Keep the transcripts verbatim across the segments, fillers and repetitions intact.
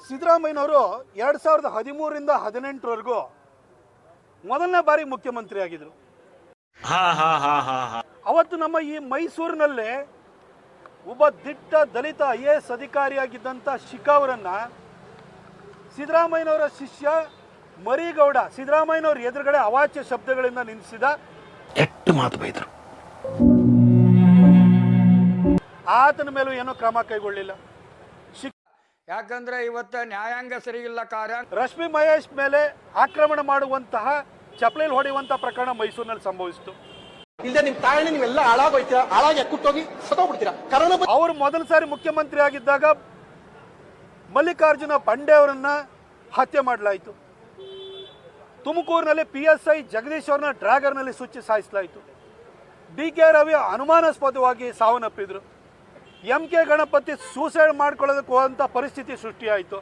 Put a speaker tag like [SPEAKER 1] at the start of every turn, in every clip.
[SPEAKER 1] ಸಿದ್ದರಾಮಯ್ಯನವರು ಎರಡ್ ಸಾವಿರದ ಹದಿಮೂರರಿಂದ ಹದಿನೆಂಟರವರೆಗೂ ಮೊದಲನೇ ಬಾರಿ ಮುಖ್ಯಮಂತ್ರಿ ಆಗಿದ್ರು. ಅವತ್ತು ನಮ್ಮ ಈ ಮೈಸೂರಿನಲ್ಲೇ ಒಬ್ಬ ದಿಟ್ಟ ದಲಿತ ಐ ಎ ಎಸ್ ಅಧಿಕಾರಿಯಾಗಿದ್ದಂಥ ಶಿಖಾ ಅವರನ್ನ ಸಿದ್ದರಾಮಯ್ಯನವರ ಶಿಷ್ಯ ಮರಿಗೌಡ ಸಿದ್ದರಾಮಯ್ಯನವ್ರ ಎದುರುಗಡೆ ಅವಾಚ್ಯ ಶಬ್ದಗಳಿಂದ ನಿಲ್ಲಿಸಿದ.
[SPEAKER 2] ಎಷ್ಟು ಮಾತು ಬೈದರು.
[SPEAKER 1] ಆತನ ಮೇಲೂ ಏನೋ ಕ್ರಮ ಕೈಗೊಳ್ಳಿಲ್ಲ.
[SPEAKER 3] ಯಾಕಂದ್ರೆ ಇವತ್ತು ನ್ಯಾಯಾಂಗ ಸರಿಯಿಲ್ಲ. ಕಾರ್ಯ
[SPEAKER 1] ರಶ್ಮಿ ಮಹೇಶ್ ಮೇಲೆ ಆಕ್ರಮಣ ಮಾಡುವಂತಹ ಚಪ್ಪಲಿಲ್ ಹೊಡೆಯುವಂತಹ ಪ್ರಕರಣ ಮೈಸೂರಿನಲ್ಲಿ ಸಂಭವಿಸಿತು.
[SPEAKER 4] ಇಲ್ಲದೆ ನಿಮ್ ತಾಯಣ್ಣ ನೀವೆಲ್ಲ ಹಾಳಾಗೋಯ್ತೀರಾ, ಹಾಳಾಗಿ ಅಕ್ಕುಟ್ಟೋಗಿ ಸತ್ತೋಗ್ಬಿಡ್ತೀರಾ. ಕರೋನಾ
[SPEAKER 1] ಅವರು ಮೊದಲ ಸಾರಿ ಮುಖ್ಯಮಂತ್ರಿ ಆಗಿದ್ದಾಗ ಮಲ್ಲಿಕಾರ್ಜುನ ಬಂಡೆ ಅವರನ್ನ ಹತ್ಯೆ ಮಾಡಲಾಯಿತು. ತುಮಕೂರಿನಲ್ಲಿ ಪಿ ಎಸ್ ಐ ಜಗದೀಶ್ ಅವರನ್ನ ಡ್ರ್ಯಾಗರ್ನಲ್ಲಿ ಸುಚ್ಚಿ ಸಾಯಿಸಲಾಯಿತು. ಡಿ ಕೆ ರವಿ ಅನುಮಾನಾಸ್ಪದವಾಗಿ ಸಾವನ್ನಪ್ಪಿದ್ರು. ಎಂ ಕೆ ಗಣಪತಿ ಸೂಸೈಡ್ ಮಾಡ್ಕೊಳ್ಳೋದಕ್ಕೆ ಹೋದಂತ ಪರಿಸ್ಥಿತಿ ಸೃಷ್ಟಿಯಾಯಿತು.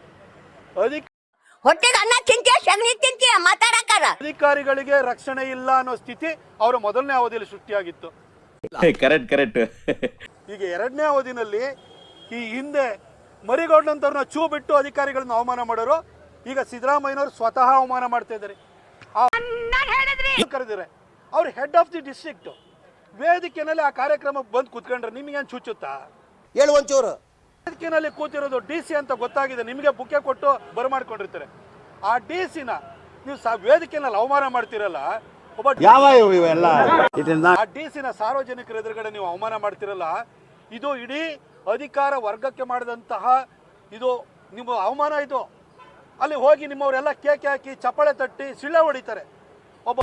[SPEAKER 1] ಅಧಿಕಾರಿಗಳಿಗೆ ರಕ್ಷಣೆ ಇಲ್ಲ ಅನ್ನೋ ಸ್ಥಿತಿ ಅವರ ಮೊದಲನೇ ಅವಧಿಯಲ್ಲಿ ಸೃಷ್ಟಿಯಾಗಿತ್ತು.
[SPEAKER 2] ಕರೆಕ್ಟ್ ಕರೆಕ್ಟ್
[SPEAKER 1] ಈಗ ಎರಡನೇ ಅವಧಿನಲ್ಲಿ ಈ ಹಿಂದೆ ಮರಿಗೌಡನಂತವ್ರನ್ನ ಚೂ ಬಿಟ್ಟು ಅಧಿಕಾರಿಗಳನ್ನ ಅವಮಾನ ಮಾಡೋರು ಈಗ ಸಿದ್ದರಾಮಯ್ಯನವರು ಸ್ವತಃ ಅವಮಾನ ಮಾಡ್ತಾ ಇದ್ದಾರೆ. ಕರೆದಿದ್ದಾರೆ ಅವ್ರು ಹೆಡ್ ಆಫ್ ದಿ ಡಿಸ್ಟ್ರಿಕ್ಟ್ ವೇದಿಕೆನಲ್ಲಿ ಆ ಕಾರ್ಯಕ್ರಮಕ್ಕೆ ಬಂದು ಕೂತ್ಕೊಂಡ್ರೆ ನಿಮಗೇನು ಚುಚ್ಚುತ್ತಾ?
[SPEAKER 4] ಹೇಳು ಒಂಚೂರು.
[SPEAKER 1] ವೇದಿಕೆನಲ್ಲಿ ಕೂತಿರೋದು ಡಿ ಸಿ ಅಂತ ಗೊತ್ತಾಗಿದೆ, ನಿಮಗೆ ಬುಕ್ಕೆ ಕೊಟ್ಟು ಬರಮಾಡ್ಕೊಂಡಿರ್ತಾರೆ. ಆ ಡಿ ಸಿನ ನೀವು ವೇದಿಕೆನಲ್ಲಿ ಅವಮಾನ ಮಾಡ್ತಿರಲ್ಲ, ಒಬ್ಬ
[SPEAKER 2] ಯಾವ ಇವೆಲ್ಲ
[SPEAKER 1] ಆ ಡಿ ಸಿನ ಸಾರ್ವಜನಿಕರ ಎದುರುಗಡೆ ನೀವು ಅವಮಾನ ಮಾಡ್ತಿರಲ್ಲ, ಇದು ಇಡೀ ಅಧಿಕಾರ ವರ್ಗಕ್ಕೆ ಮಾಡಿದಂತಹ ಇದು ನಿಮ್ಮ ಅವಮಾನ. ಇದು ಅಲ್ಲಿ ಹೋಗಿ ನಿಮ್ಮವರೆಲ್ಲ ಕೇಕೆ ಹಾಕಿ ಚಪ್ಪಾಳೆ ತಟ್ಟಿ ಸಿಳ್ಳೆ ಹೊಡಿತಾರೆ. ಒಬ್ಬ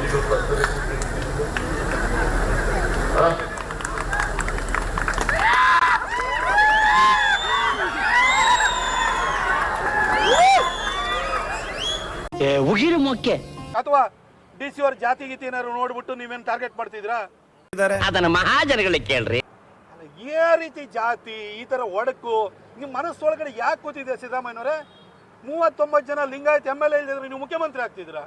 [SPEAKER 1] ಅಥವಾ ಡಿ ಸಿ ಅವ್ರ ಜಾತಿ ಗೀತಿ ಏನಾದ್ರು ನೋಡ್ಬಿಟ್ಟು ನೀವೇನು ಟಾರ್ಗೆಟ್ ಮಾಡ್ತಿದ್ರಾ?
[SPEAKER 5] ಅದನ್ನ ಮಹಾಜನಗಳಿಗೆ ಕೇಳ್ರಿ.
[SPEAKER 1] ಏ ರೀತಿ ಜಾತಿ ಈ ತರ ಒಡಕು ನಿಮ್ ಮನಸ್ಸೊಳಗಡೆ ಯಾಕೆ ಕೂತಿದೆ ಸಿದ್ದರಾಮಯ್ಯನವರೇ? ಮೂವತ್ತೊಂಬತ್ತು ಜನ ಲಿಂಗಾಯತ್ ಎಂ ಎಲ್ ಎ ಇದ್ರೆ ನೀವು ಮುಖ್ಯಮಂತ್ರಿ ಆಗ್ತಿದ್ರ?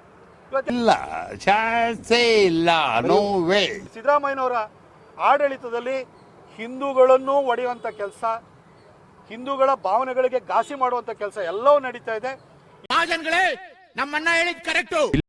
[SPEAKER 1] ಸಿದ್ದರಾಮಯ್ಯನವರ ಆಡಳಿತದಲ್ಲಿ ಹಿಂದೂಗಳನ್ನು ಒಡೆಯುವಂತ ಕೆಲಸ, ಹಿಂದೂಗಳ ಭಾವನೆಗಳಿಗೆ ಘಾಸಿ ಮಾಡುವಂತ ಕೆಲಸ ಎಲ್ಲವೂ ನಡೀತಾ ಇದೆ.
[SPEAKER 6] ನಮ್ಮಣ್ಣ ಹೇಳಿದ್ ಕರೆಕ್ಟು.